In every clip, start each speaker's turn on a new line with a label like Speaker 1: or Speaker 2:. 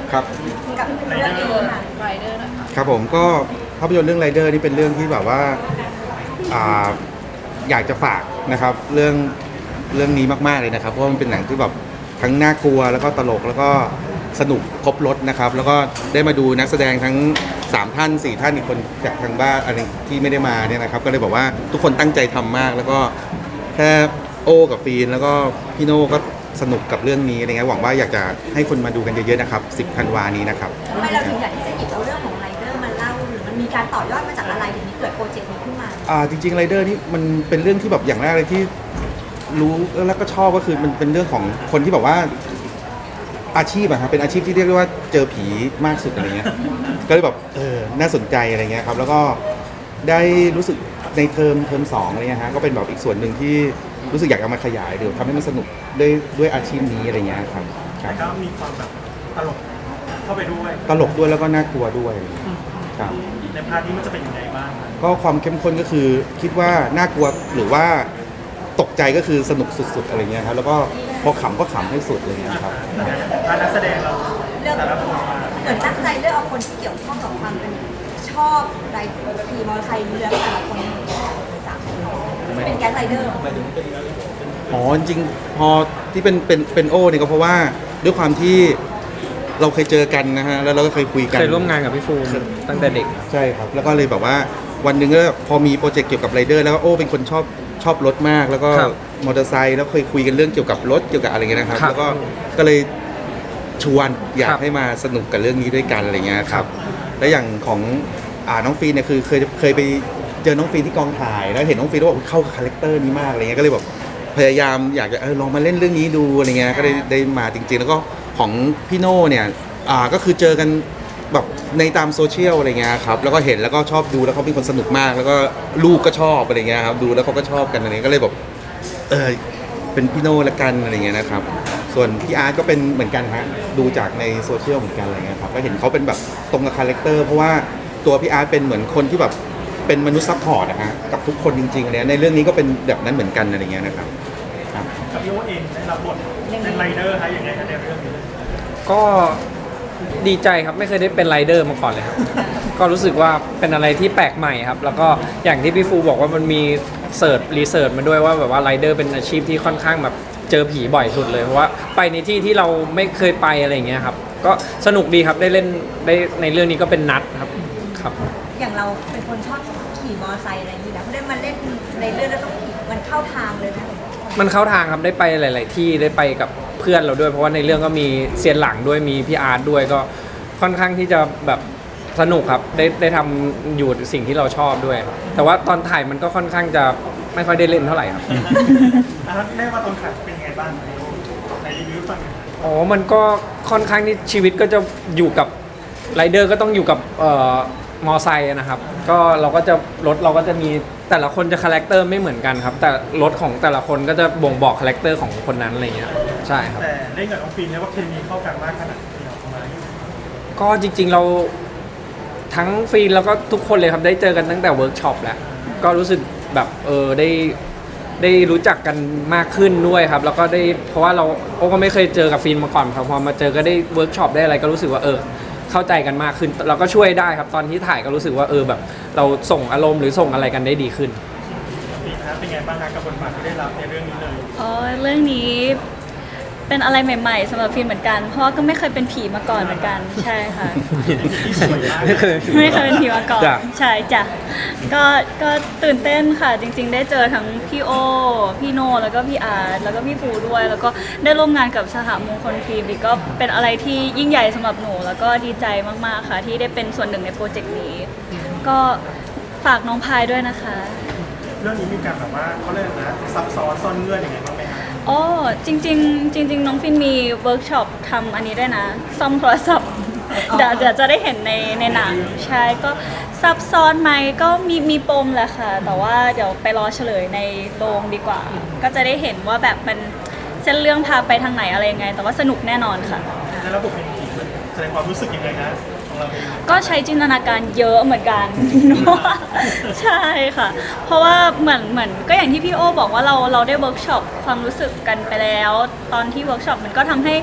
Speaker 1: ครับ
Speaker 2: กับเรื่องนี้ค่ะไรเดอร์
Speaker 1: ครับผมก็ภาพยนตร์เรื่องไรเดอร์นี่เป็นเรื่องที่แบบว่าอ่าอยากจะฝากนะครับเรื่องนี้มากๆเลยนะครับเพราะว่ามันเป็นหนังที่แบบทั้งน่ากลัวแล้วก็ตลกแล้วก็สนุกครบรสนะครับแล้วก็ได้มาดูนักแสดงทั้ง3ท่าน4ท่านอีกคนจากทางบ้านอะไรที่ไม่ได้มาเนี่ยนะครับก็เลยบอกว่าทุกคนตั้งใจทำมากแล้วก็แค่โอ้กับฟีนแล้วก็พี่โน่ก็สนุกกับเรื่องนี้อะไรเงี้ยหวังว่าอยากจะให้คนมาดูกันเยอะๆนะครับ10ธันวานี้นะครับ
Speaker 2: ทำไมเราถึงอยากที่จะหยิบเอาเรื่องของไรเดอร์มาเล่าหรือมันมีการต่อยอดมาจากอะไรถึงนี้เกิดโปรเจกต์นี้ขึ้นมา
Speaker 1: จริงๆไรเดอร์นี่มันเป็นเรื่องที่แบบอย่างแรกเลยที่รู้แล้วก็ชอบก็คือมันเป็นเรื่องของคนที่แบบว่าอาชีพอะครับเป็นอาชีพที่เรียกได้ว่าเจอผีมากสุดอะไรเงี้ยก็เลยแบบน่าสนใจอะไรเงี้ยครับแล้วก็ได้รู้สึกในเทอม2อะไรเงี้ยฮะก็เป็นแบบอีกส่วนหนึ่งที่รู้สึกอยากเอามาขยายเดี๋ยวทำให้มันสนุกด้วยอาชีพนี้อะไรเงี้ยครับ
Speaker 3: แต่ก็มีความแบบตลกเข้าไปด้วย
Speaker 1: ตลกด้วยแล้วก็น่ากลัวด้วยครับ
Speaker 3: ในพาร์ทนี้มันจะเป็นยังไงบ้าง
Speaker 1: ก็ความเข้มข้นก็คือคิดว่าน่ากลัวหรือว่าตกใจก็คือสนุกสุดๆอะไรเงี้ยครับแล้วก็พอขำก็ขำให้สุดอะไรเงี้ยครับ
Speaker 3: พาร์ทนักแสดงเราแต่ละคน
Speaker 2: เหมือนตั้งใจเลือกเอาคนที่เกี่ยวข้องกับความเป็นชอบไรขี่มอเตอร์ไซค์เรือแต่ละคนเป็นแก๊งไรเดอร์
Speaker 1: จริงๆพอที่เป็นโอเนี่ยก็เพราะว่าด้วยความที่เราเคยเจอกันนะฮะแล้วเราก็เคยคุยกัน
Speaker 4: เคยร่วมงานกับพี่ฟูมตั้งแต่เด็ก
Speaker 1: ใช่ครับแล้วก็เลยแบบว่าวันหนึ่งก็พอมีโปรเจกต์เกี่ยวกับไรเดอร์แล้วก็โอ้เป็นคนชอบรถมากแล้วก็มอเตอร์ไซค์แล้วเคยคุยกันเรื่องเกี่ยวกับรถเกี่ยวกับอะไรเงี้ยนะครับแล้วก็เลยชวนอยากให้มาสนุกกับเรื่องนี้ด้วยกันอะไรเงี้ยครับและอย่างของน้องฟีนเนี่ยคือเคยไปเจอน้องฟีนที่กองถ่ายแล้วเห็นน้องฟีนว่าเข้ากับคาแรคเตอร์นี้มากอะไรเงี้ยก็เลยแบบพยายามอยากจะลองมาเล่นเรื่องนี้ดูอะไรเงี้ยก็ได้มาจริงๆแล้วก็ของพี่โน่เนี่ยก็คือเจอกันแบบในตามโซเชียลอะไรเงี้ยครับแล้วก็เห็นแล้วก็ชอบดูแล้วเขาเป็นคนสนุกมากแล้วก็ลูกก็ชอบอะไรเงี้ยครับดูแล้วเขาก็ชอบกันอะไรเงี้ยก็เลยแบบเป็นพี่โน่ละกันอะไรเงี้ยนะครับส่วนพี่อาร์ตก็เป็นเหมือนกันฮะดูจากในโซเชียลเหมือนกันอะไรเงี้ยครับก็เห็นเขาเป็นแบบตรงกับคาแรคเตอร์เพราะว่าตัวพี่อาร์ตเป็นเหมือนคนที่แบบเป็นมนุษย์ซัพพอร์ตนะฮะกับทุกคนจริงๆอะไรในเรื่องนี้ก็เป็นแบบนั้นเหมือนกันอะไรเงี้ยนะครับ
Speaker 3: กับพี่โอเองได้รับบทเป็นไรเดอร์คะยังไงคะในเรื่องนี้
Speaker 4: ก็ดีใจครับไม่เคยได้เป็นไรเดอร์มาก่อนเลยครับก็รู้สึกว่าเป็นอะไรที่แปลกใหม่ครับแล้วก็อย่างที่พี่ฟูบอกว่ามันมีรีเสิร์ชมาด้วยว่าแบบว่าไรเดอร์เป็นอาชีพที่ค่อนข้างแบบเจอผีบ่อยสุดเลยเพราะว่าไปในที่ที่เราไม่เคยไปอะไรอย่างเงี้ยครับก็สนุกดีครับได้เล่นได้ในเรื่องนี้ก็เป็นนัดครับ
Speaker 2: อย่างเราเป็นคนชอบขี่มอเตอร์ไซค์อะไรอย่างนี้แล้วได้มาเล่นในเรื่องแล้วต้องขี่มันเข้าทางเลยนะ
Speaker 4: มันเข้าทางครับได้ไปหลายๆที่ได้ไปกับเพื่อนเราด้วยเพราะว่าในเรื่องก็มีเซียนหลังด้วยมีพี่อาร์ตด้วยก็ค่อนข้างที่จะแบบสนุกครับได้ทำอยู่สิ่งที่เราชอบด้วยแต่ว่าตอนถ่ายมันก็ค่อนข้างจะไม่ค่อยได้เล่นเท่าไหร่ครับ
Speaker 3: แม่ว่าตอนถ่ายเป็นไงบ้างในรีวิวฟัง
Speaker 4: มันก็ค่อนข้างที่ชีวิตก็จะอยู่กับไรเดอร์ก็ต้องอยู่กับมอไซค์นะครับก็เราก็จะรถเราก็จะมีแต่ละคนจะคาแรคเตอร์ไม่เหมือนกันครับแต่รถของแต่ละคนก็จะบ่งบอกคาแรคเตอร์ของคนนั้นอะไรเงี้ยใช่ครับ
Speaker 3: แต่เล่นกับน้องฟินเนี่ยว่าเคมีเข้ากันมากขนาดที่เราทำไม
Speaker 4: ก็จริงๆเราทั้งฟินแล้วก็ทุกคนเลยครับได้เจอกันตั้งแต่เวิร์กช็อปแล้วก็รู้สึกแบบได้รู้จักกันมากขึ้นด้วยครับแล้วก็ได้เพราะว่าเราก็ไม่เคยเจอกับฟินมาก่อนพอมาเจอก็ได้เวิร์กช็อปได้อะไรก็รู้สึกว่าเข้าใจกันมากขึ้นเราก็ช่วยได้ครับตอนที่ถ่ายก็รู้สึกว่าแบบเราส่งอารมณ์หรือส่งอะไรกันได้ดีขึ้น
Speaker 3: ปีนะเป็นไงบ้างคะกับบทบาทที่ได้รับในเรื่องนี้เลย
Speaker 5: เรื่องนี้เป็นอะไรใหม่ๆสำหรับฟิล์มเหมือนกันเพราะก็ไม่เคยเป็นผีมาก่อนเหมือนกันใช่ค่ะไม่เคยเป็นผีมาก่อนใช่จ้ะก็ตื่นเต้นค่ะจริงๆได้เจอทั้งพี่โอพี่โนแล้วก็พี่อาร์ตแล้วก็พี่ฟูด้วยแล้วก็ได้ร่วมงานกับสหมงคลฟิล์มก็เป็นอะไรที่ยิ่งใหญ่สำหรับหนูแล้วก็ดีใจมากๆค่ะที่ได้เป็นส่วนหนึ่งในโปรเจกต์นี้ก็ฝากน้องพายด้วยนะคะ
Speaker 3: เรื่องนี้มีการแบบว่าเขาเรียกนะซับซ้อนซ่อนเงื่อนยังไงบ้างไหมคะ
Speaker 5: จริงน้องฟินมีเวิร์กช็อปทำอันนี้ด้วยนะซ่อมโทรศัพท์เดี๋ยวจะได้เห็นในหนังใช่ก็ซับซ้อนไหมก็มีปมแหละค่ะแต่ว่าเดี๋ยวไปรอเฉลยในโรงดีกว่าก็จะได้เห็นว่าแบบมันเส้นเรื่องพาไปทางไหนอะไรยังไงแต่ว่าสนุกแน่นอนค่ะ
Speaker 3: แล้วระบบเป็นแสดงความรู้สึกยังไงนะ
Speaker 5: ก็ใช้จินตนาการเยอะเหมือนกันใช่ค่ะเพราะว่าเหมือนก็อย่างที่พี่โอบอกว่าเราได้เวิร์กช็อปความรู้สึกกันไปแล้วตอนที่เวิร์กช็อปมันก็ทำให้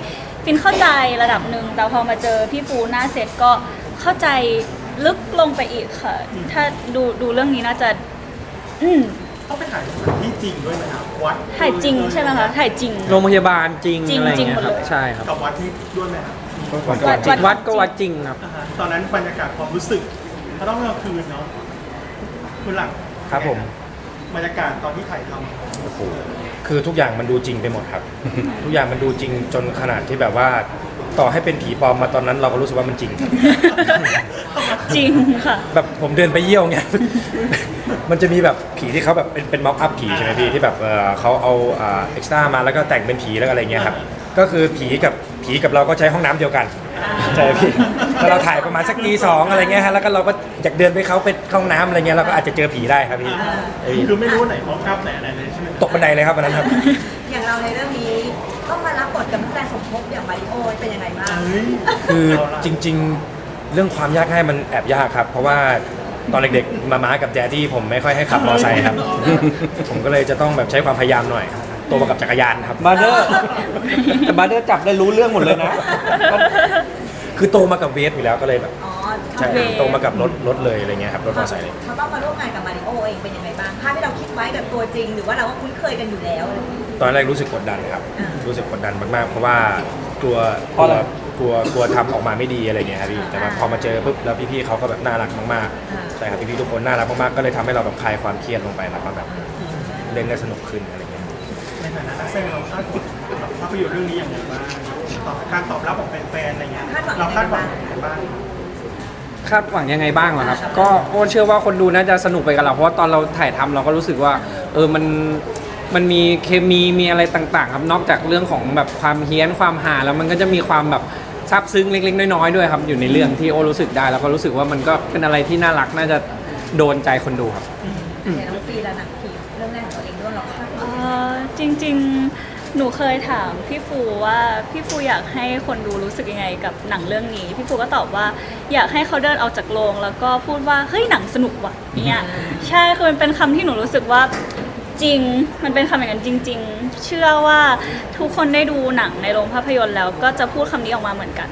Speaker 5: ฟินเข้าใจระดับหนึ่งแต่พอมาเจอพี่ฟูหน้าเซตก็เข้าใจลึกลงไปอีกค่ะ ถ้าดูเรื่องนี้น่าจะ
Speaker 3: ต้องไปถ่ายสถานที่จริงด้วยไหมครับวัด
Speaker 5: ถ่ายจริงใช่ไหมคะถ่ายจริง
Speaker 4: โรงพยาบาลจริง
Speaker 5: จริง
Speaker 4: อะไรอย่างเงี้ย
Speaker 5: จริงหมด
Speaker 4: ครั
Speaker 5: เล
Speaker 4: บ
Speaker 5: ย
Speaker 4: ใช่ครับ
Speaker 3: กับวัดที่ด้วยไหมครับ
Speaker 4: วัดก็วัดจริงครับ
Speaker 3: อ่าฮะตอนนั้นบรรยากาศความรู้สึกก็ต้องกลางคืนเนาะคุณหลัง
Speaker 6: ครับผม
Speaker 3: บรรยากาศตอนที่ถ่ายทำ
Speaker 6: คือทุกอย่างมันดูจริงไปหมดครับ ทุกอย่างมันดูจริงจนขนาดที่แบบว่าต่อให้เป็นผีปลอมมาตอนนั้นเราก็รู้สึกว่ามันจริง
Speaker 5: จริงค่ะ
Speaker 6: แบบผมเดินไปเยี่ยวเงี้ย มันจะมีแบบผีที่เขาแบบเป็นม็อกอัพผีใช่ไหมพี่ที่แบบเขาเอาเอ็กซ์ตร้ามาแล้วก็แต่งเป็นผีแล้วอะไรเงี้ยครับ ก็คือผีกับเราก็ใช้ห้องน้ำเดียวกันใช่ไหมพี่แล้วเราถ่ายประมาณสักตีสองอะไรเงี้ยฮะแล้วก็เราก็อยากเดินไปเขาไปเข้าห้องน้ำอะไรเงี้ยเราก็อาจจะเจอผีได้ครับพี่เอ้ย
Speaker 3: คือไม่รู้ว่าไหนมองอัพไหนอะไรเลยใช่ไหม
Speaker 6: ตกบันไดเลยครับวันนั้นครับ
Speaker 2: อย่างเราในเรื่องนี้ต้องมารับบทกับนักแสดงสมทบอย่างมาริโอเป็นยังไงบ้าง
Speaker 3: เฮ้ย
Speaker 6: คือ
Speaker 3: เอาล่ะ
Speaker 6: จริงๆเรื่องความยากง่ายมันแอบยากครับ เพราะว่าตอนเด็กๆมากับแดดดี้ผมไม่ค่อยให้ขับมอเตอร์ไซค์ครับ ผมก็เลยจะต้องแบบใช้ความพยายามหน่อยโตมากับจักรยานครับ
Speaker 4: บาร์เดอร์แต่บาร์เดอร์จับได้รู้เรื่องหมดเลยนะ
Speaker 6: คือโตมากับเวฟอยู่แล้วก็เลยแบบ
Speaker 2: อ๋อ
Speaker 6: ใช่
Speaker 5: โอเค
Speaker 6: โตมากับรถเลยอะไรเงี้ยครับรถมอเตอร์ไซค์เลย
Speaker 2: เขาต้องมาร่วมงานกับมาริโอเองเป็นยังไงบ้างภาพที่เราคิดไว้กับตัวจริง หรือว่าเราก็คุ้นเคยกันอยู่แล้วอะไรอย่างนี้
Speaker 6: ตอนแรกรู้สึกกดดันครับ
Speaker 2: อ่ารู้
Speaker 6: รู้สึกกดดันมากๆ เพราะว่ากลัว
Speaker 4: เพราะอะไร
Speaker 6: กลัวทำออกมาไม่ดีอะไรเงี้ยครับพี่แต่ว่าพอมาเจอปุ๊บแล้วพี่ๆเขาก็แบบน่ารักมากๆใช่ครับพี่ๆทุกคนน่ารักมากๆก็เลยทำให้เราแบบคลายความเครียดลงไปแล้วก็แบบเล่นได้สนุกขึ้นอะไรเงี้ย
Speaker 3: ในฐานะนักแสดงเราคาดหวังกับภาพยนตร์เรื่องนี้อย่างไรบ้างการตอบรับของแฟนๆอะไรเงี้ยเราคาดหวังอย่างไรบ้าง
Speaker 4: คาดหวังยังไงบ้างเหรอครับ ก็โอ้เชื่อว่าคนดูน่าจะสนุกไปกับเรา เพราะว่าตอนเราถ่ายทำเราก็รู้สึกว่ามันมีเคมีมีอะไรต่างๆ ครับ นอกจากเรื่องของแบบความเฮี้ยนความหาแล้วมันก็จะมีความแบบซาบซึ้งเล็กๆน้อยๆด้วยครับอยู่ในเรื่องที่โอ้รู้สึกได้แล้วก็รู้สึกว่ามันก็เป็นอะไรที่น่ารักน่าจะโดนใจคนดูครับ
Speaker 2: เดี๋ยวน้องฟีและหนังผีเรื่องแรกของตัวเองด้วยเราคาดหวัง
Speaker 5: จริงๆ หนูเคยถามพี่ฟูว่าพี่ฟูอยากให้คนดูรู้สึกยังไงกับหนังเรื่องนี้ พี่ฟูก็ตอบว่าอยากให้เขาเดินออกจากโรงแล้วก็พูดว่าเฮ้ยหนังสนุกว่ะเนี่ยใช่คือมันเป็นคำที่หนูรู้สึกว่าจริงมันเป็นคำอย่างนั้นจริง ๆ เชื่อว่าทุกคนได้ดูหนังในโรงภาพยนตร์แล้วก็จะพูดคำนี้ออกมาเหมือนกัน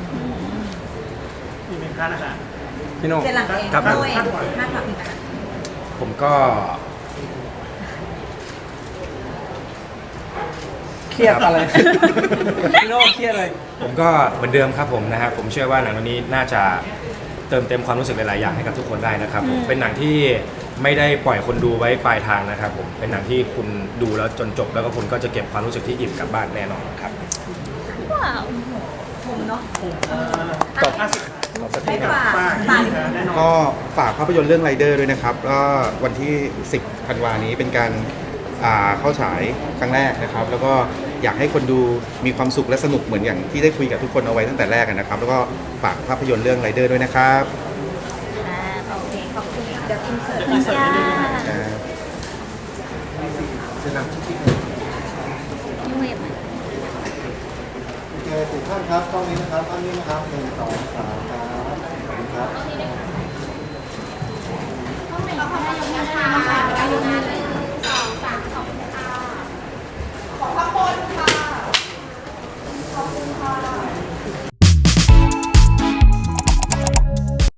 Speaker 3: มีไหมคะนะคะ
Speaker 4: พี่โน่
Speaker 2: เจนหลังเอง
Speaker 6: ครับ
Speaker 2: ตัวเองคาดหวังนะ
Speaker 6: ผมก็
Speaker 4: เครียดอะไร พี่โน่เครียดอะไร
Speaker 6: ผมก็เหมือนเดิมครับผมนะฮะผมเชื่อว่าหนังเรื่องนี้น่าจะเติมเต็มความรู้สึกหลายๆอย่างให้กับทุกคนได้นะครับผมเป็นหนังที่ไม่ได้ปล่อยคนดูไว้ปลายทางนะครับผมเป็นหนังที่คุณดูแล้วจนจบแล้วก็คุณก็จะเก็บความรู้สึกที่อิ่มกลับบ้านแน่นอนครับ
Speaker 5: ว้าว
Speaker 2: คมเนาะ
Speaker 6: ตบ
Speaker 2: ให้ฝาก
Speaker 3: ฝาก
Speaker 2: ฝาก
Speaker 3: แน่นอน
Speaker 1: ก็ฝากภาพยนตร์เรื่องไรเดอร์ด้วยนะครับก็วันที่ 10 ธันวานี้เป็นการเข้าฉายครั้งแรกนะครับ แล้วก็อยากให้คนดูมีความสุขและสนุกเหมือนอย่างที่ได้คุยกับทุกคนเอาไว้ตั้งแต่แรกนะครับ แล้วก็ฝากภาพยนตร์เรื่องไรเดอร์ด้วยนะครับ
Speaker 2: โอเคขอบคุณเดี๋ยวอินเสิร์ต
Speaker 5: ขอบคุณค่ะ พี่เวฟ
Speaker 7: โอเคทุกท่านครับกล้องนี้นะครับอันนี้นะครับ1 2 3ครับขอบคุณครับ
Speaker 8: ต้องเป็นเราทำได้ยังไงคะได้ยังไง2 3 ขอบคุณ